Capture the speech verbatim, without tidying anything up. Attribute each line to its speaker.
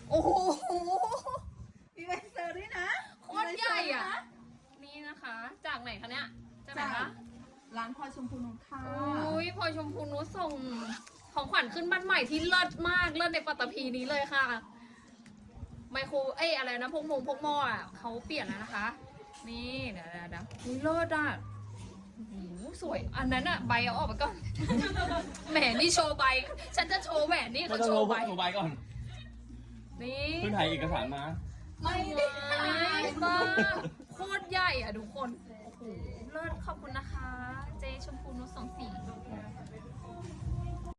Speaker 1: โอ้โหมีใบเซอร์ด้วยนะ
Speaker 2: โคตรใหญ่อ่ะนี่นะคะ จากไหนคะเนี่ยจากไหน
Speaker 1: จาก
Speaker 2: คะ
Speaker 1: ร้านพลอยชมพูนุชค่ะ
Speaker 2: อุ้ยพลอยชมพูนุชส่งของขวัญขึ้นบ้านใหม่ที่เลิศมากเลิศในปัตตภีนี้เลยค่ะไมโครเอ้ยอะไรนะพวกมงพวกหม้ออ่ะเขาเปลี่ยนแล้วนะคะ นี่เดี๋ยวเดี๋ยวเดี๋ยวอุ้ยเลิศอ่ะโอ้โหสวยอันนั้นอ่ะใบเอาออกไปก่อน แหมนี่โชว์ใบฉันจะโชว์แหวนนี่
Speaker 3: ไม่
Speaker 2: เขา
Speaker 3: ต้อง
Speaker 2: โช
Speaker 3: โทร
Speaker 2: ว์ใบ
Speaker 3: โทรไปก่อน
Speaker 2: นี่
Speaker 3: เพิ่งถ่ายเอกสารมา
Speaker 1: ไม่ได้
Speaker 2: มากโคตรใหญ่อ่ะทุกคนโอ้โหเลิศขอบคุณนะคะ เจชมพูนุชสองสี